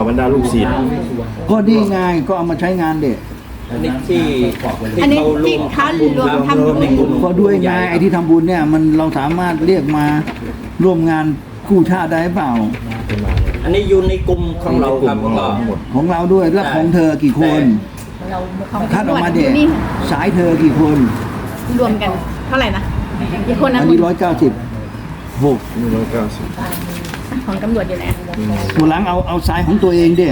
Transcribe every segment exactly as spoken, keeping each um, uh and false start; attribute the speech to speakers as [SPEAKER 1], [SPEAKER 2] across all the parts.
[SPEAKER 1] บรรดาลูกศิษย์
[SPEAKER 2] ก็ดีไงก็เอามาใช้งานเด็ก
[SPEAKER 3] อันนี้ที่
[SPEAKER 4] อันนี้ที่เขารวมทำบุญ
[SPEAKER 2] ก็ด้วยไงไอ้ที่ทำบุญเนี่ยมันเราสามารถเรียกมาร่วมงานกู้ชาติได้เปล่า
[SPEAKER 3] อันนี้อยู่ในกลุ่มของเราครับ
[SPEAKER 1] ของเรา
[SPEAKER 3] ก็
[SPEAKER 1] ทั้งหมด
[SPEAKER 2] ของเราด้วยแล้วของเธอกี่คนคัดออกมาเด็ก
[SPEAKER 4] นี่
[SPEAKER 2] สายเธอกี่คน
[SPEAKER 4] รวมกันเท่าไหร่นะกี่คนนะ
[SPEAKER 2] อันนี้ร้อยเก้าสิบหก
[SPEAKER 1] นี่ร้อยเก้าสิบ
[SPEAKER 4] ของตำรวจอยู่ไหน
[SPEAKER 2] ตัวหลังเอาเอาสายของตัวเองเด้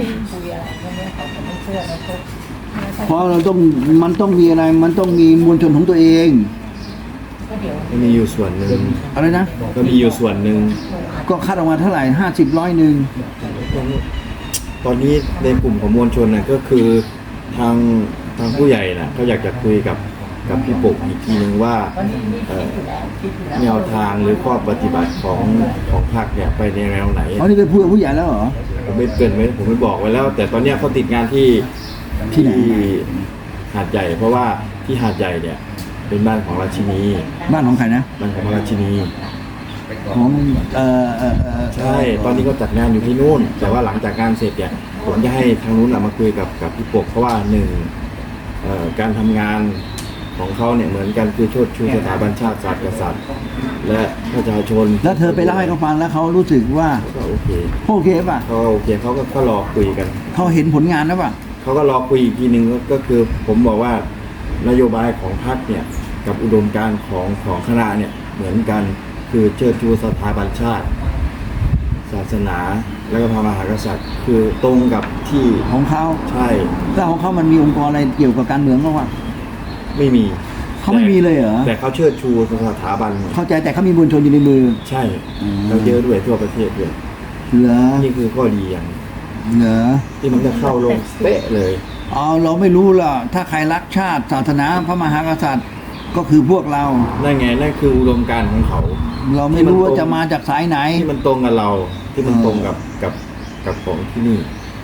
[SPEAKER 2] เพราะเราต้องมันต้องมีอะไรมันต้องมีมวลชนของตัวเอง
[SPEAKER 1] ก็มีอยู่ส่วนหนึ่ง
[SPEAKER 2] อะไรนะ
[SPEAKER 1] ก็มีอยู่ส่วนหนึ่ง
[SPEAKER 2] ก็คัดออกมาเท่าไหร่ห้าสิบร้อยหนึ่ง
[SPEAKER 1] ตอนนี้ในกลุ่มของมวลชนน่ะก็คือทางทางผู้ใหญ่น่ะเขาอยากจะคุยกับกับพี่ปกอีกทีหนึ่งว่าเอ่อแนวทางหรือข้อปฏิบัติของของพรรคเนี่ยไปในแนวไหน
[SPEAKER 2] อ๋อนี่เป็นผู้ผู้ใหญ่แล้วเหรอ
[SPEAKER 1] ผมไม่เกรินไว้ผมไม่บอกไว้แล้ว แต่ตอนเนี้ยเขาติดงานที่
[SPEAKER 2] ที่ไหน
[SPEAKER 1] หาดใหญ่ เพราะว่าที่หาดใหญ่เนี่ยเป็นบ้านของราชินี
[SPEAKER 2] บ้านของใครนะ
[SPEAKER 1] บ้านของราชินี
[SPEAKER 2] ของเอ่อเอ่อเอ่อ
[SPEAKER 1] ใช่ ตอนนี้ก็จัดงานอยู่ที่นู่น แต่ว่าหลังจากงานเสร็จเนี่ยผมจะให้ทางนู้นน่ะมาคุยกับกับพี่ปกเพราะว่าหนึ่งเอ่อการทำงานของเขาเนี่ยเหมือนกันคือโชดชูสถาบันชาติศาสตร์กษัตริย์ และประชาชน
[SPEAKER 2] แล้วเธอไปเล่าให้เขาฟังแล้วเขารู้สึกว่า
[SPEAKER 1] ก็โอเค
[SPEAKER 2] โอเคป่ะ
[SPEAKER 1] เขาก็โอเคเขาก็ก็รอคุยกัน
[SPEAKER 2] เขาเห็นผลงานแล้วป่ะ
[SPEAKER 1] เขาก็รอคุยอีกทีหนึ่งก็คือผมบอกว่านโยบายของพรรคเนี่ยกับอุดมการณ์ของของคณะเนี่ยเหมือนกันคือเชิดชูสถาบันชาติ ศาสนาและก็พระมหากษัตริย์ คือตรงกับที่
[SPEAKER 2] ของเขา
[SPEAKER 1] ใช่
[SPEAKER 2] แล้วของเขามันมีองค์กรอะไรเกี่ยวกับการเมืองบ้างวะ
[SPEAKER 1] ไม่มี
[SPEAKER 2] เขาไม่มีเลยเหรอ
[SPEAKER 1] แต่เขาเชิดชูสถาบัน
[SPEAKER 2] เข้าใจแต่เขามีมวลชนอยู่ในมือ
[SPEAKER 1] ใช่
[SPEAKER 2] อืม
[SPEAKER 1] เราเยอะด้วยทั่วประเทศด้วย
[SPEAKER 2] เหรอ
[SPEAKER 1] นี่คือข้อดีอย่าง
[SPEAKER 2] เหรอ
[SPEAKER 1] ที่มันจะเข้าลงเป๊ะเลย
[SPEAKER 2] เอาเราไม่รู้ล่ะถ้าใครรักชาติศาสนาพระมหากษัตริย์ก็คือพวกเรา
[SPEAKER 1] นั่นไงนั่นคืออุดมการณ์ของเขา
[SPEAKER 2] เราไม่รู้ว่าจะมาจากสายไหน
[SPEAKER 1] ที่มันตรงกับเราที่มัน
[SPEAKER 2] เออ
[SPEAKER 1] ตรงกับกับกับของที่นี่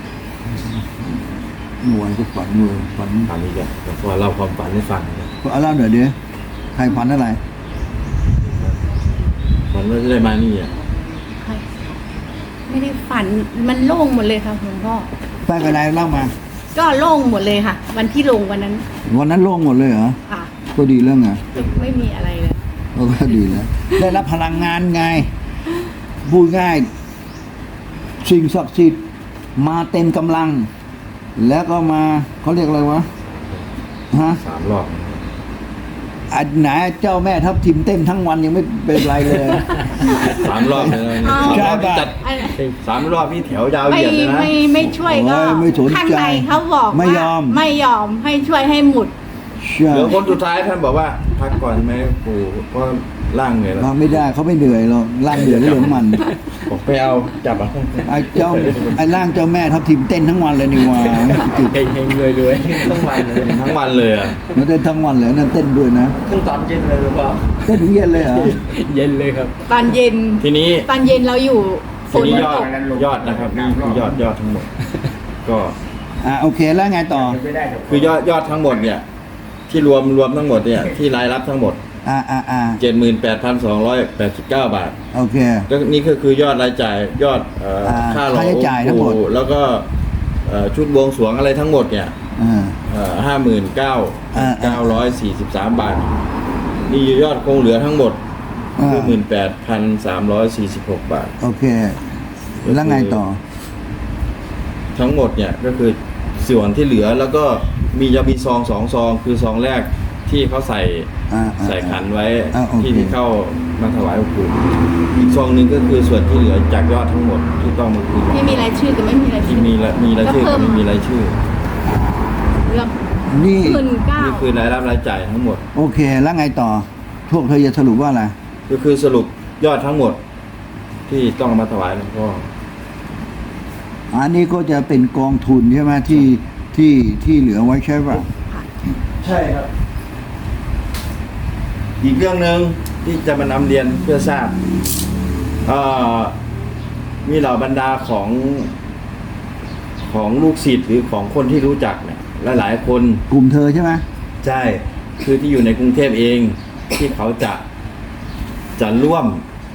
[SPEAKER 2] หน่วยก็ฝันหน่วยฝัน
[SPEAKER 1] ถามอีกแล้วเพราะว่าเราความฝันให้ฟังนะ
[SPEAKER 2] เอาเล่าเดี๋ยวเดี๋ยวใครฝันอะไร
[SPEAKER 1] ฝันว่าจะได้มานี่อ่ะ
[SPEAKER 4] ไม่ได้ฝันมันโล่งหมดเลยค่ะหลวงพ่อ
[SPEAKER 2] ไปกับอะไรเล่ามา
[SPEAKER 4] ก็โล่งหมดเลยค่ะ วันที่ลงวันนั้น
[SPEAKER 2] วันนั้นโล่งหมดเลยเหรอ
[SPEAKER 4] ค่ะ
[SPEAKER 2] ก็ดีเรื่องไง
[SPEAKER 4] ไม่มีอะไรเลย
[SPEAKER 2] ก็ดีแล้วได้รับพลังงานไงพูดง่ายสิ่งศักดิ์สิทธิ์มาเต็มกำลัง แล้วก็มาเขาเรียกอะไรวะฮะ
[SPEAKER 1] สามรอบ
[SPEAKER 2] อันไหนเจ้าแม่ทับทิมเต้นทั้งวันยังไม่เป็นไรเลย
[SPEAKER 1] สามรอบเลยนะ
[SPEAKER 4] อ๋อ
[SPEAKER 1] สามรอบนี่จัด
[SPEAKER 4] อัน
[SPEAKER 1] สามรอบนี่แถวยาว
[SPEAKER 4] ไม่
[SPEAKER 1] เหยียดเลยนะ
[SPEAKER 4] ไม่ไม่ช่วยก็
[SPEAKER 2] โอ้ยไม่สนใจ
[SPEAKER 4] ข้างในเขาบอก
[SPEAKER 2] ไม่
[SPEAKER 4] ว่าย
[SPEAKER 2] อม
[SPEAKER 4] ไม่ยอมให้ช่วยให้หมุด
[SPEAKER 2] ใช่
[SPEAKER 1] เหลือคนสุดท้ายท่านบอกว่าพักก่อนไหมปู่เพราะร่างเหนื่อยแล้ว
[SPEAKER 2] ฟังไม่ได้เขาไม่เหนื่อยหรอกร่างเหนื่อยเรื่องมัน
[SPEAKER 1] ผมไปเอาจับอ่ะ
[SPEAKER 2] ไอ้เจ้าไอ้ร่างเจ้าแม่ทับทิมเต้นทั้งวันเลยนี่หว่า
[SPEAKER 3] เฮงเฮงเลยด้วยทั้งวันเลย
[SPEAKER 1] ทั้งวันเลยอ่ะ
[SPEAKER 2] มันเต้นทั้งวันเลยนั่นเต้นด้วยนะ
[SPEAKER 3] ทั้งตอนเย็นเลยหรือเปล่า
[SPEAKER 2] เต้นถึงเย็นเลยเหรอ
[SPEAKER 3] เย็นเลยครับ
[SPEAKER 4] ตอนเย็น
[SPEAKER 1] ทีนี้
[SPEAKER 4] ตอนเย็นเราอยู่ฝ
[SPEAKER 1] ที
[SPEAKER 4] น
[SPEAKER 1] นี้
[SPEAKER 4] มัน
[SPEAKER 1] ยอ
[SPEAKER 4] ต
[SPEAKER 1] ด
[SPEAKER 4] ก
[SPEAKER 1] ยอดนะครับนี่คือยอดยอดทั้งหมด ก็
[SPEAKER 2] อ่ะโอเคแล้วไงต่อ
[SPEAKER 1] คือยอดยอดทั้งหมดเนี่ย ที่รวมรวมทั้งหมดเนี่ยที่รายรับทั้งหมด
[SPEAKER 2] อ่าอ่าอ่า
[SPEAKER 1] เจ็ดหมื่นแปดพันสองร้อยแปดสิบเก้าบาท
[SPEAKER 2] โอเค
[SPEAKER 1] ก็นี่ก็คือยอดรายจ่ายยอดเอ่อ
[SPEAKER 2] อ่า
[SPEAKER 1] ค่าหล่อ
[SPEAKER 2] ค่าใช้จ่ายทั้งหมด
[SPEAKER 1] องค์ปู่แล้วก็เอ่อชุดบวงสรวงอะไรทั้งหมดเนี่ย
[SPEAKER 2] อ่า
[SPEAKER 1] ห้าหมื่นเก้า
[SPEAKER 2] อ่า
[SPEAKER 1] เก้าร้อยสี่สิบสามบาท นี่ยอดคงเหลือทั้งหมด
[SPEAKER 2] อ่า
[SPEAKER 1] คือหมื่นแปดพันสามร้อยสี่สิบหกบาท
[SPEAKER 2] โอเค แล้วไงต่อ
[SPEAKER 1] ทั้งหมดเนี่ยก็คือส่วนที่เหลือแล้วก็มีจะมีซองสองซองคือซองแรกที่เขาใส่
[SPEAKER 2] อ่าอ่า
[SPEAKER 1] ใส่ขันไว้
[SPEAKER 2] อ่าโอเค
[SPEAKER 1] ที่ที่เข้ามาถวายองค์ปู่อีกซองหนึ่งก็คือส่วนที่เหลือจากยอดทั้งหมดที่ต้องมาคืน
[SPEAKER 4] ไม่มีรายชื่อแต่ไม่มีราย
[SPEAKER 1] ที่
[SPEAKER 4] ชื่อ
[SPEAKER 1] มีละมีรายชื่อ
[SPEAKER 4] ก็เพิ่
[SPEAKER 1] กับ
[SPEAKER 4] ม
[SPEAKER 1] ไม่มีรายชื่อ
[SPEAKER 4] เรื่อง
[SPEAKER 2] นี่
[SPEAKER 4] หมื่นเก้า
[SPEAKER 1] นี่คือรายรับรายจ่ายทั้งหมด
[SPEAKER 2] โอเค แล้วไงต่อ พวกเธอจะสรุปว่าอะไร
[SPEAKER 1] ก็คือสรุปยอดทั้งหมด ที่ต้องมาถวายหลวงพ่อ
[SPEAKER 2] อันนี้ก็จะเป็นกองทุนใช่ไหมที่ที่ที่เหลือไว้ใช่ป่ะ
[SPEAKER 1] ใช่ครับ อีกเรื่องหนึ่งที่จะมานำเรียนเพื่อทราบเอ่อมีเหล่าบรรดาของของลูกศิษย์หรือของคนที่รู้จักเนี่ยหลายๆคน
[SPEAKER 2] กลุ่มเธอใช่ไหม
[SPEAKER 1] ใช่คือที่อยู่ในกรุงเทพเองที่เขาจะจะร่วม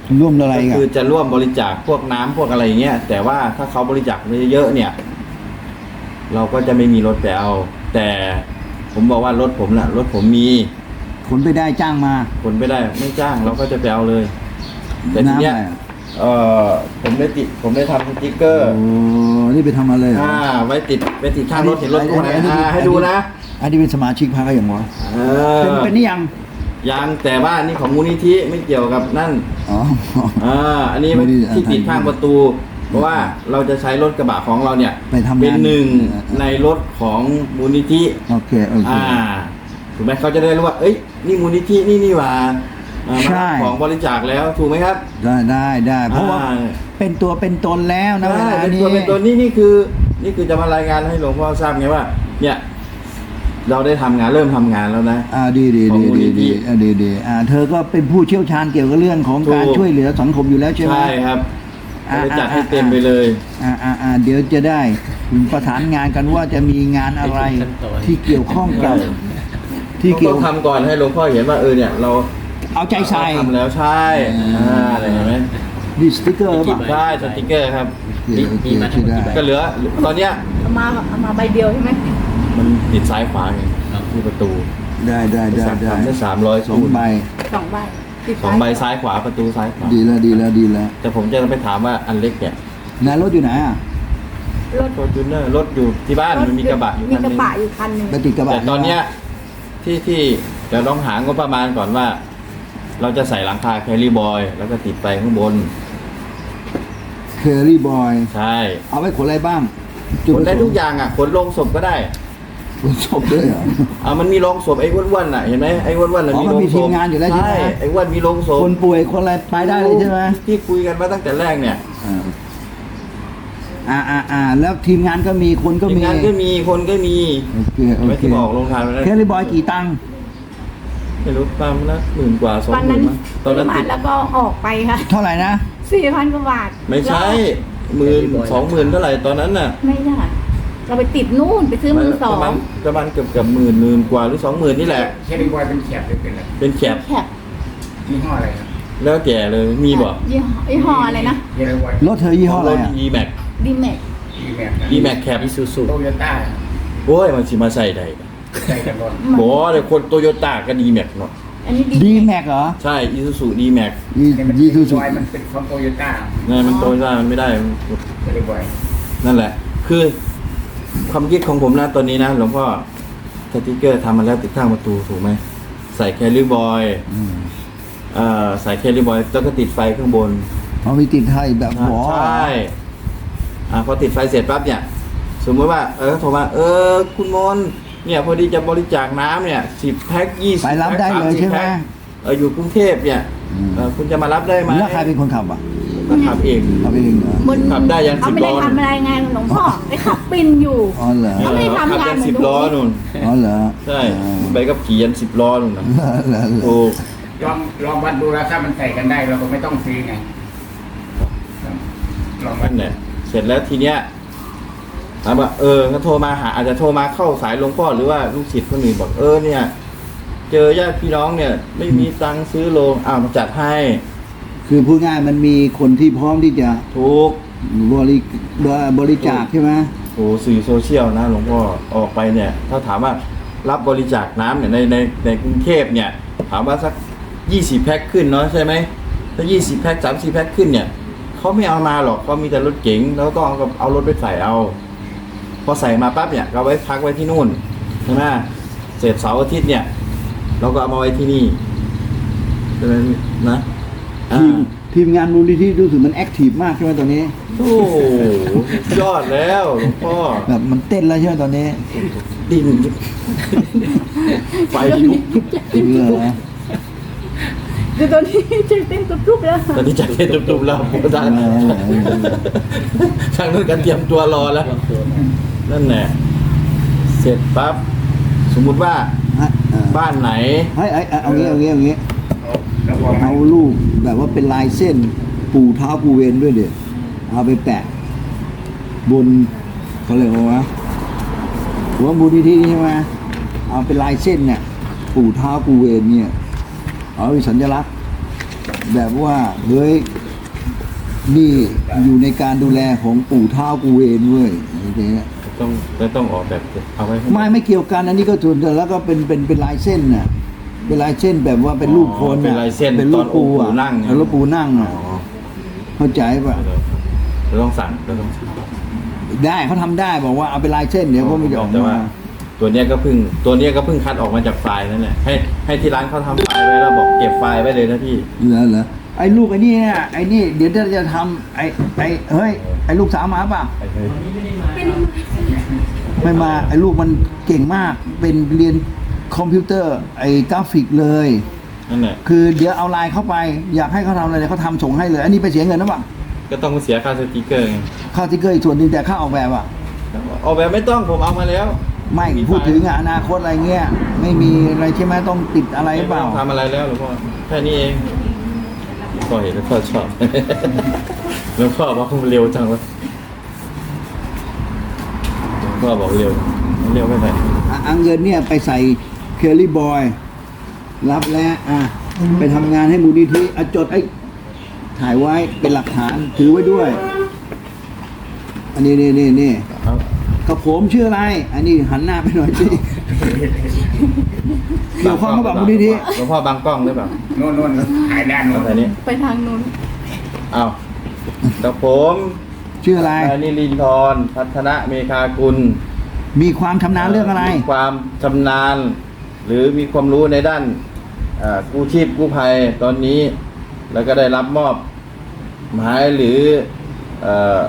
[SPEAKER 2] ร่วมอะไร
[SPEAKER 1] ก็
[SPEAKER 2] กัน
[SPEAKER 1] คือจะร่วมบริจาคพวกน้ำพวกอะไรอย่างเงี้ยแต่ว่าถ้าเขาบริจาคเยอะๆเนี่ย เราก็จะไม่มีรถไปเอา แต่ผมบอกว่ารถผมน่ะรถผมมี
[SPEAKER 2] ขนไปได้จ้างมา
[SPEAKER 1] คนไม่ได้ไม่จ้างเราก็จะไปเอาเลย แต่ทีเนี้ย
[SPEAKER 2] น้ำอะไรอ่ะ
[SPEAKER 1] เออผมได้ติดผมได้ทำสติ๊กเกอร์
[SPEAKER 2] โอ้นี่ไปทำอะไรเหรอ
[SPEAKER 1] อ่าไว้ติดไว้ติดข้างรถเห็นรถ
[SPEAKER 2] อั
[SPEAKER 1] ตู้ไหน
[SPEAKER 2] อั
[SPEAKER 1] อ่าให้ดูนะ
[SPEAKER 2] อันนี้เป็นสมาชิกพรรคก็อย่างวะ
[SPEAKER 1] เอ
[SPEAKER 2] เป็น
[SPEAKER 1] อ
[SPEAKER 2] เป็นนี่ยัง
[SPEAKER 1] ยังแต่ว่านี่ของมูลนิธิไม่เกี่ยวกับนั่น
[SPEAKER 2] อ๋อ
[SPEAKER 1] อ่าอันนี้
[SPEAKER 2] ไม่ได้
[SPEAKER 1] ที่ติดข้างประตู เพราะว่าเราจะใช้รถกระบะของเราเนี่ย
[SPEAKER 2] ไปทำงาน
[SPEAKER 1] เป็นหนึ่ง
[SPEAKER 2] เออ
[SPEAKER 1] ในรถของมูลนิธิ
[SPEAKER 2] โอเคโอเค
[SPEAKER 1] อ่าถูกไหมเขาจะได้รู้ว่า เอ้ยนี่มูลนิธินี่นี่หว่าอ่า
[SPEAKER 2] ใช่
[SPEAKER 1] ของบริจาคแล้วถูกไหมครับ
[SPEAKER 2] ได้ได้ได้เพราะว่า
[SPEAKER 1] อ่
[SPEAKER 2] เป็นตัวเป็นตนแล้วนะเว
[SPEAKER 1] ใช่
[SPEAKER 2] ลา
[SPEAKER 1] เป็น
[SPEAKER 2] นี้
[SPEAKER 1] ตัวเป็นตัวนี่นี่คือ นี่คือจะมารายงานให้หลวงพ่อทราบไงว่า เนี่ย เราได้ทำงานเริ่มทำงานแล้วนะ
[SPEAKER 2] อ่าดีดี
[SPEAKER 1] ของ
[SPEAKER 2] ดี
[SPEAKER 1] มูล
[SPEAKER 2] ดี
[SPEAKER 1] นิธิ
[SPEAKER 2] ดีอ่าดีดีอ่าเธอก็เป็นผู้เชี่ยวชาญเกี่ยวกับเรื่องของการ
[SPEAKER 1] ถูก
[SPEAKER 2] ช่วยเหลือสังคมอยู่แล้วใช่ไหม
[SPEAKER 1] ใช่ครับ
[SPEAKER 2] อ่า
[SPEAKER 1] จะจัดให้
[SPEAKER 2] อ่า
[SPEAKER 1] เต็มไปเลย
[SPEAKER 2] อ่าอ่าอ่าเดี๋ยวจะได้ประสานงานกันว่าจะมีงานอะไรที่เกี่ยวข้องกับที่เกี่ยว
[SPEAKER 1] ต้องทำก่อนให้หลวงพ่อเห็นว่าเออเนี่ย เรา
[SPEAKER 2] เอาใจใส่
[SPEAKER 1] ทำแล้วใช่
[SPEAKER 2] อืม
[SPEAKER 1] อ่าอะไรเห็นไหม
[SPEAKER 2] ดีสติ๊กเกอร์ป่ะ
[SPEAKER 1] ใช่สติกเกอร์ครับ
[SPEAKER 2] โอเคโอเค
[SPEAKER 3] มีมาทั้งหมดกี่ใบ
[SPEAKER 1] ก็เหลือตอนเนี้ย
[SPEAKER 4] เอามาเอามาใบเดียวใช่ไหม
[SPEAKER 1] มันติดซ้ายขวาไง
[SPEAKER 3] ครับ
[SPEAKER 1] ที่ประตู
[SPEAKER 2] ได้ได้ได้ได้
[SPEAKER 1] ทำได้สามร้อย
[SPEAKER 2] สองใบ
[SPEAKER 4] สองใบติด
[SPEAKER 1] สองใบซ้ายขวาประตูซ้ายขวา
[SPEAKER 2] ดีแล้วดีแล้วดีแล้ว
[SPEAKER 1] แต่ผมจะไปถามว่าอันเล็กเนี่ย
[SPEAKER 2] นายรถอยู่ไหนอ่ะ
[SPEAKER 4] รถ
[SPEAKER 1] ฟอร์จูเนอร์รถอยู่ที่บ้านมันมีกระบะอยู่
[SPEAKER 4] มี
[SPEAKER 1] คัน
[SPEAKER 4] ก
[SPEAKER 1] ห
[SPEAKER 4] ระ
[SPEAKER 1] นึง
[SPEAKER 4] บะอยู่คันหนึ่ง
[SPEAKER 2] ไปติดกระบะ
[SPEAKER 1] แต่ตอนเนี้ยที่ที่เดี๋ยวลองหางบประมาณก่อนว่า เราจะใส่หลังคาแคลรี่บอยแล้วก็ติดไฟข้างบน
[SPEAKER 2] เคอรี่บอย
[SPEAKER 1] ใช่
[SPEAKER 2] เอาไว้ขนอะไรบ้าง
[SPEAKER 1] ขนได้ทุกอย่างอ่ะขนลงศพก็ได้
[SPEAKER 2] ขนศพด้วยเหรอ
[SPEAKER 1] อ่ามันมีโรงศพไอ้อ้วนๆน่ะเห็นไหมไอ้อ้วนๆน่ะ
[SPEAKER 2] อ๋อ
[SPEAKER 1] มี
[SPEAKER 2] มัน
[SPEAKER 1] โรง
[SPEAKER 2] มี
[SPEAKER 1] ศ
[SPEAKER 2] ที
[SPEAKER 1] พ
[SPEAKER 2] มงานอยู่แล้วใช่ไหม
[SPEAKER 1] ไอ้อ้วนมีโรงศพ
[SPEAKER 2] คนป่วยคนอะไรไปได้เลยใช่ไหม
[SPEAKER 1] ที่คุยกันมาตั้งแต่แรกเนี่ย
[SPEAKER 2] อ่าอ่าอ่าแล้วทีมงานก็มีคนก็
[SPEAKER 1] ทีม
[SPEAKER 2] มี
[SPEAKER 1] งานก็มีคนก็มี
[SPEAKER 2] โอเคโอ
[SPEAKER 1] ไม่
[SPEAKER 2] เค
[SPEAKER 1] ที่บอกลงทานไปแล้ว
[SPEAKER 2] เคอรี่บอยกี่ตังค์
[SPEAKER 1] ไม่รู้ประมาณละหมื่นกว่าสอง
[SPEAKER 4] วัน
[SPEAKER 1] หมื่
[SPEAKER 4] นั้น น
[SPEAKER 1] มั้งตอนนั้น
[SPEAKER 4] ซื้
[SPEAKER 1] ติ
[SPEAKER 4] มา
[SPEAKER 1] ด
[SPEAKER 4] แล้วก็ออกไปค่ะ
[SPEAKER 2] เท่าไหร่นะ
[SPEAKER 4] สี่พันกว่าบาท
[SPEAKER 1] ไม่ใช่หมื่นสองหมื่นเท่าไหร่ตอนนั้นน่ะ
[SPEAKER 4] ไม่ได้เราไปติดนู่นไปซื้อมือสอ
[SPEAKER 1] ประมาณ
[SPEAKER 4] ง
[SPEAKER 1] ประมาณเกือบเกือบหมื่นหมื่นกว่าหรือสองหมื่นนี่แหละ
[SPEAKER 5] เคลิบอยเป็นแขกหรือเป็นอะไร
[SPEAKER 1] เป็นแคบ
[SPEAKER 4] แคบ
[SPEAKER 5] ยี่ห้ออะไรครับ
[SPEAKER 1] แล้วแก่เลยมีบ่
[SPEAKER 4] ยี่ห้อยี่ห้ออะไรนะ
[SPEAKER 5] เคลิบอย
[SPEAKER 2] รถเธอยี่ห้ออะไร
[SPEAKER 1] รถ
[SPEAKER 2] อ่ะ
[SPEAKER 1] ดีแม็ก
[SPEAKER 4] ดีแม็ก
[SPEAKER 5] ดีแม็กนะ
[SPEAKER 1] ดีแม็กแคบ
[SPEAKER 3] อิซูซู
[SPEAKER 5] โตโยต้า
[SPEAKER 1] โอ้ยมันสิมาใส่ได้
[SPEAKER 5] ใจกันรถ
[SPEAKER 1] บอกว่าเดี๋ยวคนโตโยต้าก็ดีแม็กเนาะ
[SPEAKER 4] อันนี้
[SPEAKER 2] ดี
[SPEAKER 4] ดี
[SPEAKER 2] แม็กเหรอ
[SPEAKER 1] ใช่อีซูซูดีแม็ก
[SPEAKER 2] ยี
[SPEAKER 5] เนี่ยมัน
[SPEAKER 2] ยี
[SPEAKER 5] เค
[SPEAKER 2] ซู
[SPEAKER 5] ลิ
[SPEAKER 2] ซู
[SPEAKER 5] บอยมันเป็นของโตโยต้า
[SPEAKER 1] นี่มันโตโยต้ามันไม่ได้
[SPEAKER 5] เคลิบอย
[SPEAKER 1] นั่นแหละ คือความคิดของผมนะตอนนี้นะหลวงพ่อสติ๊กเกอร์ทำมาแล้วติดข้างประตูถูกไหมใส่แคลรี่บอย
[SPEAKER 2] อืม
[SPEAKER 1] เอ่อใส่แคลรี่บอยแล้วก็ติดไฟข้างบน
[SPEAKER 2] เอามีติดไทยแบบหัว
[SPEAKER 1] ใช่อ่าพอติดไฟเสร็จปั๊บเนี่ย สมมติว่าเออโทรมาเออคุณมนต์เนี่ยพอดีจะบริจาคน้ำเนี่ยสิบแพ็คยี่สิบ
[SPEAKER 2] ไปรับได้เลยใช่ไหม
[SPEAKER 1] เอออยู่กรุงเทพเนี่ย
[SPEAKER 2] อืม
[SPEAKER 1] เออคุณจะมารับได้ไหม
[SPEAKER 2] แล้วใครเป็นคนขับอ่ะ
[SPEAKER 1] ก็ขับเอง
[SPEAKER 2] ขับเองเหรอ
[SPEAKER 4] บน
[SPEAKER 1] ขับได้ยัน
[SPEAKER 4] เขา
[SPEAKER 1] สิบ
[SPEAKER 4] ไม่ได้
[SPEAKER 1] ล้อ
[SPEAKER 4] ทำอะไรไงหลวงพ่อไปขับปินอยู่
[SPEAKER 2] อ๋อเหรอ
[SPEAKER 4] เขาไม่ได้ทำ
[SPEAKER 1] ขับ
[SPEAKER 4] งาน
[SPEAKER 1] ยัน
[SPEAKER 4] เหมือน
[SPEAKER 1] สิบ
[SPEAKER 4] หนู
[SPEAKER 1] ล้อนู่น
[SPEAKER 2] อ๋อเหรอ
[SPEAKER 1] ใช่
[SPEAKER 2] อ๋อ
[SPEAKER 1] ไปกับขี่ยันสิบล้อนู่นนะ
[SPEAKER 2] เหรอเหรอเหรอ
[SPEAKER 1] โอ้
[SPEAKER 5] ลองลองวัดดูแล้วถ้ามันใส่กันได้เราก็ไม่ต้องซื้อไงลองวั
[SPEAKER 1] นั่
[SPEAKER 5] ด
[SPEAKER 1] นแหละเสร็จแล้วทีเนี้ยถามว่าเออก็โทรมาหาอาจจะโทรมาเข้าสายหลวงพ่อหรือว่าลูกศิษย์คนอื่นบอกเออเนี่ย เจอญาติพี่น้องเนี่ย ไม่มีตังค์ซื้อโรงอ้าวมาจัดให้
[SPEAKER 2] คือพูดง่ายมันมีคนที่พร้อมที่จะ
[SPEAKER 1] ทุก
[SPEAKER 2] บริบริจาคใช่ไหม
[SPEAKER 1] โอ้สื่อโซเชียลนะหลวงพ่อออกไปเนี่ย ถ้าถามว่ารับบริจาคน้ำเนี่ยในในในกรุงเทพเนี่ย ถามว่าสักยี่สิบแพ็คขึ้นเนาะใช่ไหมถ้ายี่สิบแพ็คสามสิบแพ็คขึ้นเนี่ยเขาไม่เอามาหรอกเขามีแต่รถเก๋งแล้วก็เอาเอารถไปใส่เอา พอใส่มาปั๊บเนี่ยเราไว้พักไว้ที่นู่นใช่ไหมเสร็จเสาร์อาทิตย์เนี่ย เราก็เอามาไว้ที่นี่ใช่ไหมนะอ่า
[SPEAKER 2] ทีมทีมงานมูลนิธิรู้สึกมันแอคทีฟมากใช่ไหมตอนนี้
[SPEAKER 1] โอ้โหยอดแล้วหลวงพ่อ
[SPEAKER 2] แบบมันเต้นแล้วใช่ไหมตอนนี้
[SPEAKER 1] ดิ่งไฟลุก
[SPEAKER 2] เหรอ
[SPEAKER 4] คือตอนนี้ใจเต้นตุ๊บๆแล้ว
[SPEAKER 1] ตอนนี้จัดเต้นตุบๆแล้วผมทางทางนู้นกันเตรียมตัวรอแล้ว นั่นแหละเสร็จปั๊บสมมุติว่า
[SPEAKER 2] ฮะเออ
[SPEAKER 1] บ้านไหน
[SPEAKER 2] เฮ้ยเอ้ยเอางี้เอางี้เอางี้
[SPEAKER 5] เอาแล้วพอมั
[SPEAKER 2] เอา
[SPEAKER 5] น
[SPEAKER 2] รูปแบบว่าเป็นลายเส้นปูเท้าปูเวนด้วยเดี๋ยวเอาไปแปะ บนเขาเรียกว่า หัวมูลนิธิใช่ไหมเอาเป็นลายเส้นเนี่ย ปู่เท้าปูเวนเนี่ย เอาเป็นสัญลักษณ์แบบว่าเฮ้ยนี่อยู่ในการดูแลของปู่เท้ากูเวนเว้ยอย่างเงี้ย
[SPEAKER 1] ต้องต้องออกแบบเอาไว้ให้
[SPEAKER 2] ไม่ไม่เกี่ยวกันอันนี้ก็ส่วนแล้วก็เป็นเป็นเป็นลายเส้นน่ะเป็นลายเส้นแบบว่าเป็นรูปคน
[SPEAKER 1] เป็น
[SPEAKER 2] น่ะ
[SPEAKER 1] ลายเส้น
[SPEAKER 2] เป็น
[SPEAKER 1] ต
[SPEAKER 2] รู
[SPEAKER 1] อน
[SPEAKER 2] ปปู
[SPEAKER 1] ปู่
[SPEAKER 2] อ่ะ
[SPEAKER 1] นั่ง
[SPEAKER 2] แล้วรูปปูนั่ง
[SPEAKER 1] อ๋
[SPEAKER 2] อ่ะ
[SPEAKER 1] อ
[SPEAKER 2] เข้าใจป่ะ
[SPEAKER 1] เราต้องสั่งเราต้องสั่ง
[SPEAKER 2] ได้เขาทำได้บอกว่าเอาเป็นลายเส้นเดี๋ยวเขาไม่จะออก
[SPEAKER 1] แต่
[SPEAKER 2] มา
[SPEAKER 1] ว่า ตัวเนี้ยก็เพิ่งตัวเนี้ยก็เพิ่งคัดออกมาจากไฟล์นั่นแหละให้ให้ที่ร้านเขาทำไฟล์ไว้แล้วบอกเก็บไฟล์ไว้เลยนะพี่
[SPEAKER 2] เหรอเหรอไอ้ลูกไอ้นี่เนี่ยไอ้นี่เดี๋ยวจะทำไอ้ไอ้เฮ้ยไอ้ลูกสาวมาป่ะ
[SPEAKER 1] ไอ้เฮ้ย
[SPEAKER 2] ไม่มาไอ้ลูกมันเก่งมากเป็นเรียนคอมพิวเตอร์ไอ้กราฟิกเลย
[SPEAKER 1] นั่นแหละ
[SPEAKER 2] คือเดี๋ยวเอาไลน์เข้าไปอยากให้เขาทำอะไรเขาทำส่งให้เลย อันนี้ไปเสียเงินนะป่ะ
[SPEAKER 1] ก็ต้องเสียค่าสติกเกอร์ไง
[SPEAKER 2] ค่าสติ๊กเกอร์อีกส่วนหนึงแต่ค่าออกแบบอ่ะ
[SPEAKER 1] ออกแบบไม่ต้องผมเอามาแล้ว
[SPEAKER 2] ไม่
[SPEAKER 1] มี
[SPEAKER 2] พูด
[SPEAKER 1] ไฟล์
[SPEAKER 2] ถึงอนาคตอะไรเงี้ยไม่มีอะไรใช่ไหมต้องติดอะไรหรือเปล่า
[SPEAKER 1] ไม่ต้องทำอะไรแล้วหลวงพ่อแค่นี้เองพ่อเห็นแล้วพ่อชอบ แล้วพ่อบอกเร็วจังวะพ่อบอกเร็วเร็วไม่ไหว
[SPEAKER 2] อ่ะเอาเงินเนี่ยไปใส่เคอรี่บอยรับแล้วอ่ะไปทำงานให้มูลนิธิอ่ะจดไอ้ถ่ายไว้เป็นหลักฐานถือไว้ด้วย อันนี้นี่นี่นี่
[SPEAKER 1] เอา
[SPEAKER 2] กับผมชื่ออะไร อันนี้หันหน้าไปหน่อยสิเกี่ยวข้องกับมูลนิธิ
[SPEAKER 1] หลวงพ่อบังกล้องหรือเปล่า
[SPEAKER 5] โน่นโน่นถ่ายด้านโน้
[SPEAKER 1] เอา
[SPEAKER 5] น
[SPEAKER 1] แต่นี้
[SPEAKER 4] ไปทางนู้น
[SPEAKER 1] เอากับผม
[SPEAKER 2] ชื่ออะไร
[SPEAKER 1] นายนิรินทร์พัฒนะเมฆากุล
[SPEAKER 2] มีความชำนาญเรื่องอะไร
[SPEAKER 1] มีความชำนาญ หรือมีความรู้ในด้านเอ่อกู้ชีพกู้ภัยตอนนี้ แล้วก็ได้รับมอบหมายหรือเอ่อง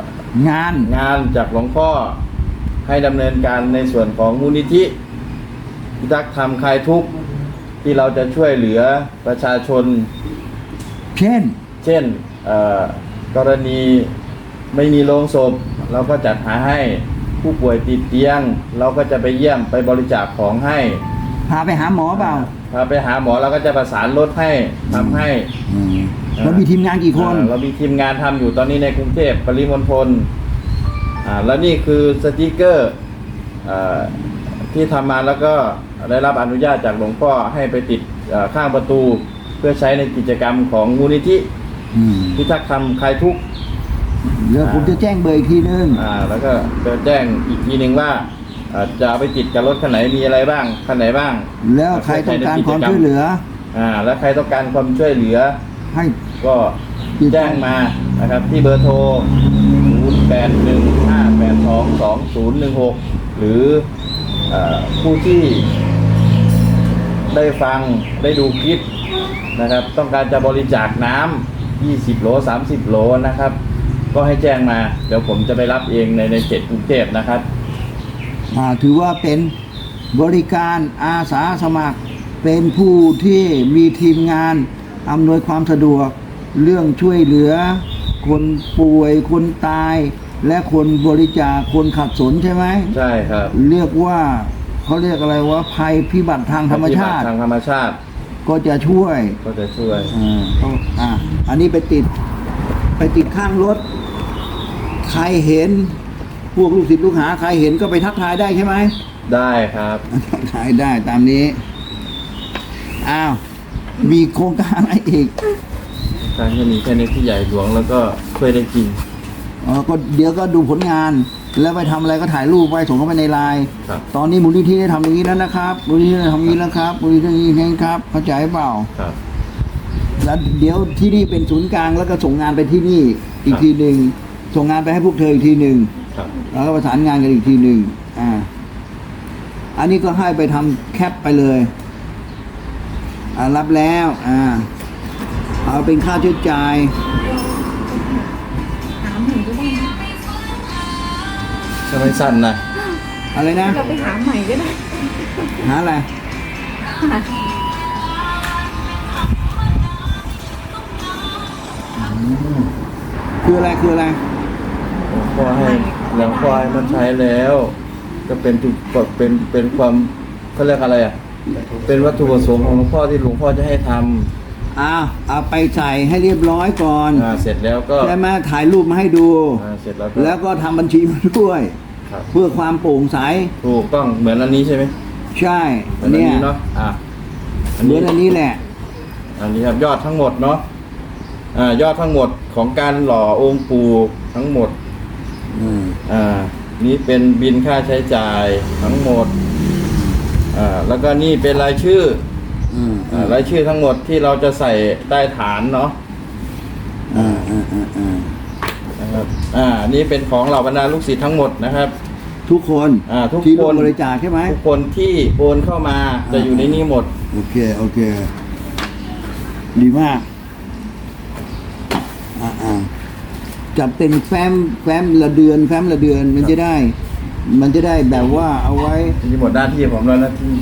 [SPEAKER 2] าน
[SPEAKER 1] งานจากหลวงพ่อให้ดำเนินการในส่วนของมูลนิธิพิทักษ์ธรรมคลายทุกข์ที่เราจะช่วยเหลือประชาชน
[SPEAKER 2] เช่น
[SPEAKER 1] เช่นเอ่อกรณีไม่มีโรงศพ เราก็จัดหาให้ผู้ป่วยติดเตียง เราก็จะไปเยี่ยมไปบริจาคของให้
[SPEAKER 2] พาไปหาหมอเปล่า
[SPEAKER 1] พาไปหาหมอเราก็จะประสานรถให้ทำให้
[SPEAKER 2] แล้วมีทีมงานกี่คน
[SPEAKER 1] อ่าเรามีทีมงานทำอยู่ตอนนี้ในกรุงเทพปริมณฑลอ่าแล้วนี่คือสติกเกอร์อ่าที่ทำมาแล้วก็ได้รับอนุญาตจากหลวงพ่อให้ไปติดอ่าข้างประตูเพื่อใช้ในกิจกรรมของมูลนิธิ
[SPEAKER 2] อืม
[SPEAKER 1] พิทักษ์ธรรมคลายทุกข์
[SPEAKER 2] เดี๋ยวผมจะแจ้งเบอร์อีกทีนึง
[SPEAKER 1] อ่าแล้วก็จะแจ้งอีกทีหนึ่งว่าอ่าจะเอาไปติดกับรถคันไหนมีอะไรบ้างคันไหนบ้าง
[SPEAKER 2] แล้วใครต้องการความช่วยเหลือ
[SPEAKER 1] อ่าแล้วใครต้องการความช่วยเหลือ
[SPEAKER 2] ให้
[SPEAKER 1] ก็แจ้งมานะครับที่เบอร์โทร ศูนย์ แปด หนึ่ง ห้า แปด สอง สอง ศูนย์ หนึ่ง หก หรือเออผู้ที่ได้ฟังได้ดูคลิปนะครับ ต้องการจะบริจาคน้ำยี่สิบโหล สามสิบโหลนะครับ ก็ให้แจ้งมา เดี๋ยวผมจะไปรับเองในในเขตกรุงเทพนะครับ
[SPEAKER 2] อ่าถือว่าเป็นบริการอาสาสมัคร เป็นผู้ที่มีทีมงานอำนวยความสะดวก เรื่องช่วยเหลือ คนป่วยคนตาย และคนบริจาคคนขัดสนใช่ไหม
[SPEAKER 1] ใช่ครับ
[SPEAKER 2] เรียกว่าเขาเรียกอะไรว่าภัยพิบัติทางธรรมชาติ
[SPEAKER 1] ทางธรรมชาติ
[SPEAKER 2] ก็จะช่วย
[SPEAKER 1] ก็จะช่วย
[SPEAKER 2] อ่าต้องอ่าอันนี้ไปติดไปติดข้างรถ ใครเห็น พวกลูกศิษย์ลูกหาใครเห็นก็ไปทักทายได้ใช่ไหม
[SPEAKER 1] ได้ครับ
[SPEAKER 2] ทักทายได้ตามนี้ อ้าว มีโครงการอะไรอีก
[SPEAKER 1] การจะมีแค่ในที่ใหญ่หลวงแล้วก็ช่วยได้จริง
[SPEAKER 2] อ๋อก็เดี๋ยวก็ดูผลงาน แล้วไปทำอะไรก็ถ่ายรูปไว้ส่งเข้าไปในไลน์
[SPEAKER 1] ครับ
[SPEAKER 2] ตอนนี้มูลนิธิได้ทำอย่างนี้แล้วนะครับมูลนิธิได้ทำอย่างนี้แล้วครับมูลนิธิได้อย่างนี้ครับเข้าใจเปล่า
[SPEAKER 1] ครับ
[SPEAKER 2] แล้วเดี๋ยวที่นี่เป็นศูนย์กลางแล้วก็ส่งงานไปที่นี่อีกทีหนึ่งส่งงานไปให้พวกเธออีกทีหนึ่ง
[SPEAKER 1] ครับ
[SPEAKER 2] แล้วก็ประสานงานกันอีกทีหนึ่งอ่า อันนี้ก็ให้ไปทำแคปไปเลย อ่ารับแล้ว อ่า เอาเป็นค่าใช้จ่าย
[SPEAKER 4] ถามหนูก็ได้นะ
[SPEAKER 1] ถ้าไม่สั้นนะ
[SPEAKER 2] อะไรนะ
[SPEAKER 4] เราไปหาใหม่ก็ได้
[SPEAKER 2] หาอะไร
[SPEAKER 4] หา
[SPEAKER 2] คืออะไรคืออะไร
[SPEAKER 1] หลวงพ่อให้หลวงพ่อให้มันใช้แล้ว ก็เป็นจุดก็เป็นเป็นความเขาเรียกอะไรอ่ะ เป็นวัตถุประสงค์ของหลวงพ่อที่หลวงพ่อจะให้ท
[SPEAKER 2] อ้าวเอาไปใส่ให้เรียบร้อยก่อน
[SPEAKER 1] ำอ่าเสร็จแล้วก็
[SPEAKER 2] ใช่ไหมถ่ายรูปมาให้ดู
[SPEAKER 1] อ่าเสร็จแล้วก็
[SPEAKER 2] แล้วก็ทำบัญชีมาด้วย
[SPEAKER 1] ครับ
[SPEAKER 2] เพื่อความโปร่งใส
[SPEAKER 1] ถูกต้องเหมือนอันนี้ใช่ไหม
[SPEAKER 2] ใช่
[SPEAKER 1] เหมือนอัน
[SPEAKER 2] เนี่ย
[SPEAKER 1] นี้เนาะอ่า
[SPEAKER 2] เหมือนอันนี้แหละ
[SPEAKER 1] อันนี้ครับยอดทั้งหมดเนาะอ่ายอดทั้งหมดของการหล่อองค์ปู่ทั้งหมด
[SPEAKER 2] อืม
[SPEAKER 1] อ่านี่เป็นบินค่าใช้จ่ายทั้งหมดอ่าแล้วก็นี่เป็นรายชื่อ
[SPEAKER 2] อืม
[SPEAKER 1] อ่ารายชื่อทั้งหมดที่เราจะใส่ใต้ฐานเนาะ
[SPEAKER 2] อ่าอ่าอ่าอ่า
[SPEAKER 1] นะครับอ่านี่เป็นของเหล่าบรรดาลูกศิษย์ทั้งหมดนะครับ
[SPEAKER 2] ทุกคน
[SPEAKER 1] อ่าทุก
[SPEAKER 2] ที่
[SPEAKER 1] ค
[SPEAKER 2] ร่วน มบริจาคใช่ไหม
[SPEAKER 1] ทุกคนที่โอนเข้ามาจะอยู่ในนี้หมด
[SPEAKER 2] โอเค โอเค ดีมาก อ่าอ่าจัดเป็นแฟ้มแฟ้มละเดือน แฟ้มละเดือนมันจะได้ มันจะได้แบบว่าเอาไว้
[SPEAKER 1] นี่หมดหน้าที่ผมแล้วนะที่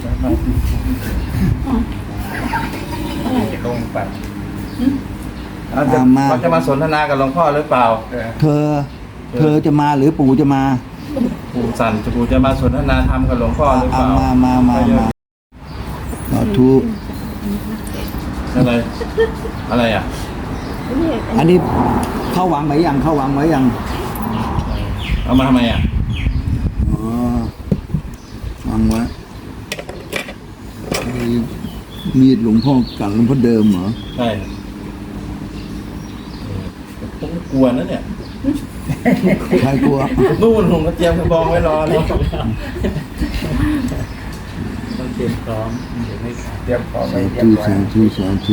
[SPEAKER 5] จะลงไป
[SPEAKER 1] เอาจะ
[SPEAKER 2] อ่ามา
[SPEAKER 1] เขาจะมาสนทนากับหลวงพ่อหรือเปล่า
[SPEAKER 5] เออ
[SPEAKER 2] เธอ เธอจะมาหรือปู่จะมา
[SPEAKER 1] ปู่สันจะปู่จะมาสนทนาธรรมกับหลวงพ่อหรือเป
[SPEAKER 2] อ่า
[SPEAKER 1] ล่า
[SPEAKER 2] มา มา มา มาสาธุ
[SPEAKER 1] อะไรอะไรอ่ะ
[SPEAKER 2] อันนี้เข้าวังไหมยัง เข้าวังไหมยัง
[SPEAKER 1] เอามาทำไมอ่ะ
[SPEAKER 2] อ๋อวางไว้ไอ้มีดหลวงพ่อกับหลวงพ่อเดิมเหรอ
[SPEAKER 1] ใช่ผมกลัวนะเนี่ย
[SPEAKER 2] ใครกลัว
[SPEAKER 1] นู่นผมก็เตรียมกระบองไว้รอแล้ว
[SPEAKER 3] ต้องเตรียมพร้อมเดี๋ยวไม่ขาด
[SPEAKER 5] เตรียมของไป
[SPEAKER 2] สา
[SPEAKER 5] เรียบ
[SPEAKER 2] ธุ
[SPEAKER 5] ร้อย
[SPEAKER 2] สาธุสาธุ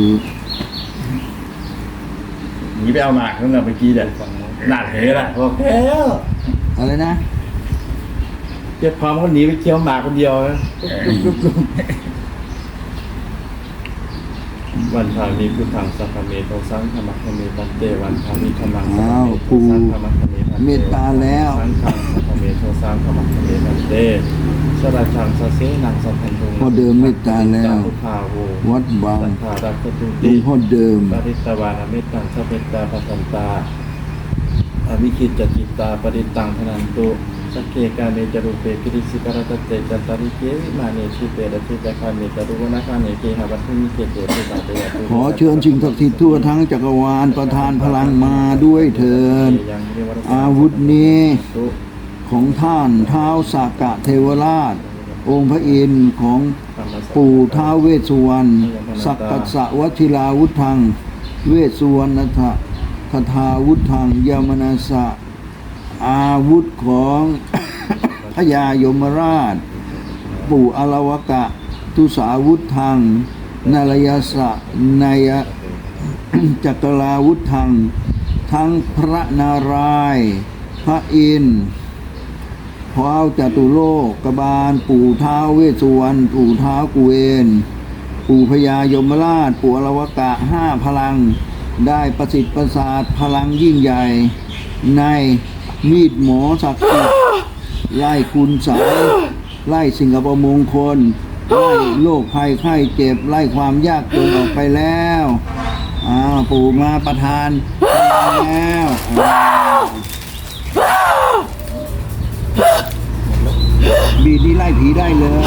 [SPEAKER 1] หนีไปเอาหมากนั่นแหละเมื่อกี้เนี่ยหนักเหละบอกแค่
[SPEAKER 2] อะไรนะ
[SPEAKER 1] เจ็บพร้อมเขาหนีไปเคี้ยวหมากคนเดียวนะวันพามีพุทธังสัพพะเมโตสังฆมัคคะเมตันเตวันพามีธรรมังสัพพะ
[SPEAKER 2] อ้าว
[SPEAKER 1] เมโต
[SPEAKER 2] ปู่
[SPEAKER 1] สังฆมัคคะเมตันเต
[SPEAKER 2] เมตตาแล้ว
[SPEAKER 1] สังฆังสัพพะเมโตสังฆมัคคะเมตันเตสราชังสเสนังสัพพันตุง
[SPEAKER 2] พ่อเดิมเมตตาแล้ว
[SPEAKER 1] พุทธาโว
[SPEAKER 2] วัดบาง
[SPEAKER 1] สัทธาดักขตุ
[SPEAKER 2] หลว
[SPEAKER 1] ติ
[SPEAKER 2] งพ่อเดิม
[SPEAKER 1] ปริตตวานาเมตตังสัพเพตตาปัสสันตาอวิคิจจจิตตาปริตตังธนันตุสักเคกาเมจรูปเปกิริสิกรตเตจันตาริเกวิมาเนชิเปรติจักขาเมจารุวนาคาเนเกหาวัตถุมิเกเตเตตาเตยะตุ
[SPEAKER 2] ขอเชิญสิ่งศักดิ์สิทธิ์ทั่วทั้งจักรวาลประทานพลังมาด้วยเถิด อาวุธนี้ของท่านท้าวสากะเทวราช องค์พระอินทร์ของปู่ท้าวเวสสุวรรณสักกัสสะวชิราวุธัง เวสสุวรรณทะคทาวุธังยมนาสะ อาวุธของ พญายมราช ปู่อลวกะ ทุสาวุธังนารยสะนาย จักราวุธัง ทั้งพระนารายณ์พระอินทร์ท้าวจตุโลกกบาล ปู่ท้าวเวสสุวรรณปู่ท้าวกุเวนปู่พญายมราช ปู่อลวกะห้าพลัง ได้ประสิทธิ์ประสาทพลังยิ่งใหญ่ ในมีดหมอศักดิ์สิทธิ์ไล่คุณไสยไล่สิ่งอัปมงคล ไล่โรคภัยไข้เจ็บ ไล่ความยากจนออกไปแล้วอ้าวปู่มาประทานแล้วอ้าวบีดนี้ไล่ผีได้เลย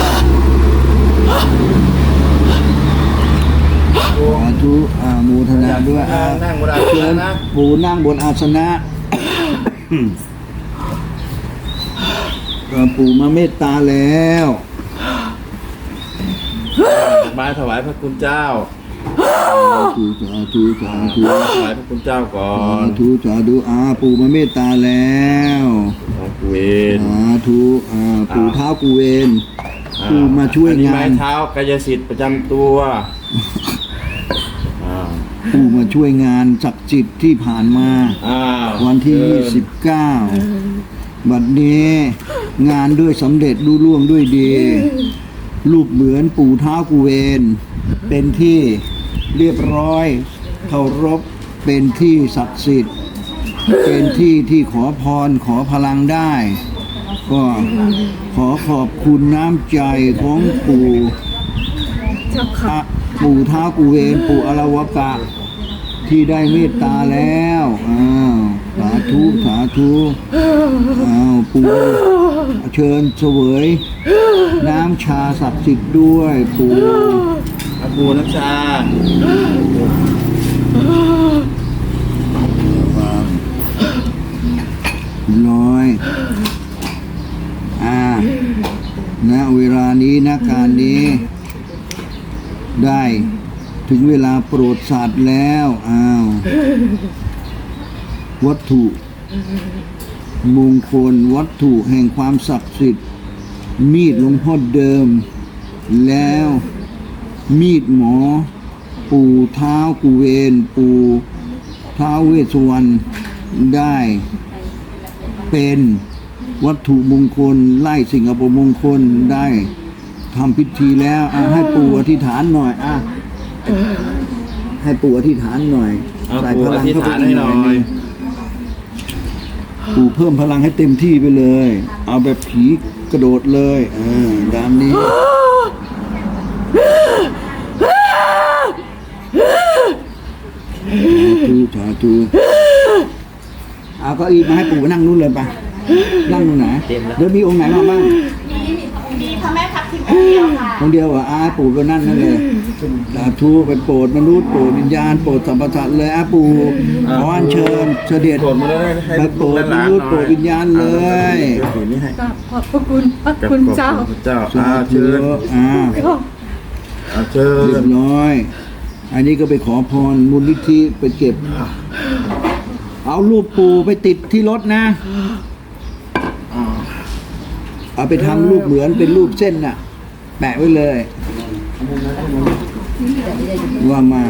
[SPEAKER 2] สาธุอาโมทนาด้วยอา
[SPEAKER 1] นั่งบนอาส
[SPEAKER 2] เชิ
[SPEAKER 1] นะ
[SPEAKER 2] ญ
[SPEAKER 1] นะ
[SPEAKER 2] ปู่นั่งบนอาสนะเอ่อปู่มาเมตตาแล้ว
[SPEAKER 1] มาถวายพระคุณเจ้า
[SPEAKER 2] สาธุสาธุสาธุ
[SPEAKER 1] ถวายพระคุณเจ้าก่อ
[SPEAKER 2] สาน ธุสาธุอาปู่มาเมตตาแล้ว
[SPEAKER 1] ของกูเวน
[SPEAKER 2] สาธุอาปู่เท้ากูเวนปู่มาช่วย
[SPEAKER 1] อันนี้
[SPEAKER 2] งา
[SPEAKER 1] ไม้
[SPEAKER 2] น
[SPEAKER 1] เท้ากายสิทธิ์ประจำตัวอ่า
[SPEAKER 2] ปู่มาช่วยงานศักดิ์สิทธิ์ที่ผ่านมา
[SPEAKER 1] อ้าว
[SPEAKER 2] วันที่
[SPEAKER 1] เชิ
[SPEAKER 2] ยี่
[SPEAKER 1] ญ
[SPEAKER 2] สิบเก้าบัดนี้งานด้วยสำเร็จรุ่ล่วงด้วยดี รูปเหมือนปู่เท้ากูเวน เป็นที่เรียบร้อยเคารพเป็นที่ศักดิ์สิทธิ์ เป็นที่ที่ขอพรขอพลังได้ ก็ขอขอบคุณน้ำใจของปู่อ่ะปู่เท้ากูเวนปู่อรวกะ ที่ได้เมตตาแล้วอ้าวสาธุสาธุอ้าวปู่เชิญเสวย น้ำชาศักดิ์สิทธิ์ด้วยปู่
[SPEAKER 1] อาบูน้ำชา
[SPEAKER 2] ร้อยอ่าณเวลานี้ณการนี้ ได้ถึงเวลาโปรดสัตว์แล้วอ้าววัตถุมงคลวัตถุแห่งความศักดิ์สิทธิ์ มีดหลวงพ่อเดิม แล้วมีดหมอ ปู่เท้ากูเวนปู่เท้าเวสสวรรณได้เป็นวัตถุมงคลไล่สิ่งอัปมงคลได้ทำพิธีแล้วอ่ะให้ปู่อธิษฐานหน่อยอ่ะให้ปู่อธิษฐานหน่อย
[SPEAKER 1] เอา
[SPEAKER 2] ใส่
[SPEAKER 1] ปู่
[SPEAKER 2] พ
[SPEAKER 1] อ
[SPEAKER 2] ลัง
[SPEAKER 1] ธิษ
[SPEAKER 2] เข้าไป
[SPEAKER 1] ฐานให้หน่อย
[SPEAKER 2] ปู่เพิ่มพลังให้เต็มที่ไปเลย เอาแบบผีกระโดดเลยอ่าดามนี้สาธุสาธุเอาเก็อีมาให้ปู่นั่งนู่นเลยไปนั่งตรงไหนเดี๋ยวมีองค์ไหนมาบ้าง
[SPEAKER 6] มีพระแม่ทับทิมองค์เดียวค่ะ
[SPEAKER 2] องค์เดียวเหรอ่ะอาปู่ก็นั่นนั่นเลยสาธุไปโปรดมนุษย์โปรดวิญญาณโปรดสรรพสัตว์เลยอาปู่ขออัญเชิญเสด็จ
[SPEAKER 1] โปรดมาเลยให้
[SPEAKER 2] ไปโปรดมนุษย์โปรดวิญญาณเลย
[SPEAKER 1] ถือนี่ให้
[SPEAKER 4] กราบขอบพระคุณพระ
[SPEAKER 1] กับ
[SPEAKER 4] คุณ
[SPEAKER 1] ขอบ
[SPEAKER 4] เจ้า
[SPEAKER 1] พระเจ้า
[SPEAKER 2] สา
[SPEAKER 1] อา
[SPEAKER 2] ธุ
[SPEAKER 1] เชิญ
[SPEAKER 2] อ่า
[SPEAKER 1] อาเชิ
[SPEAKER 2] เรีย
[SPEAKER 1] ญ
[SPEAKER 2] บร้อย อันนี้ก็ไปขอพรมูลนิธิไปเก็บ เอารูปปู่ไปติดที่รถนะ เอาไปทำรูปเหมือนเป็นรูปเส้นน่ะ แปะไว้เลย ว่ามา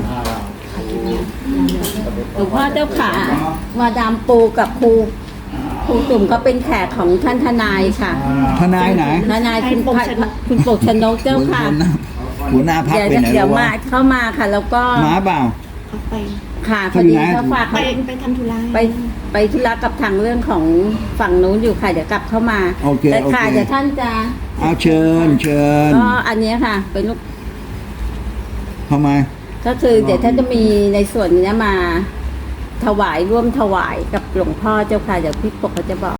[SPEAKER 6] หลวงพ่อเจ้าขามาดามปูกับครูครูตุ่มเขาเป็นแขกของท่านทนายค่ะ
[SPEAKER 2] ทนายไหน
[SPEAKER 6] ทนายคุณพคุณปกชนกเจ้าค่ะ
[SPEAKER 2] หัวหน้าพัก
[SPEAKER 6] เดี๋ยว
[SPEAKER 2] ไปไหน
[SPEAKER 6] เดี๋ยว
[SPEAKER 2] วะ
[SPEAKER 6] มาเข้ามาค่ะ แล้วก็
[SPEAKER 2] หมาเปล่า
[SPEAKER 4] ไป
[SPEAKER 6] ค่ะพ
[SPEAKER 2] เขา
[SPEAKER 6] อ
[SPEAKER 2] อยู่
[SPEAKER 6] ดี
[SPEAKER 2] ไหน
[SPEAKER 6] เขาฝาก
[SPEAKER 4] ไป
[SPEAKER 6] ไป
[SPEAKER 4] ไปทำธุระ
[SPEAKER 6] ไปไปธุระกับทางเรื่องของฝั่งนู้นอยู่ค่ะเดี๋ยวกลับเข้ามา
[SPEAKER 2] โอเค
[SPEAKER 6] แต่
[SPEAKER 2] โอเค
[SPEAKER 6] ค่ะเดี๋ยวท่านจะ
[SPEAKER 2] เอาเชิญเชิญ
[SPEAKER 6] ก็อันเนี้ยค่ะ เป็นลูก
[SPEAKER 2] ทำไม
[SPEAKER 6] ก็คือเดี๋ยวท่านจะมีในส่วนนี้มา ถวายร่วมถวายกับหลวงพ่อเจ้าค่ะเดี๋ยวพี่ปกเขาจะบอก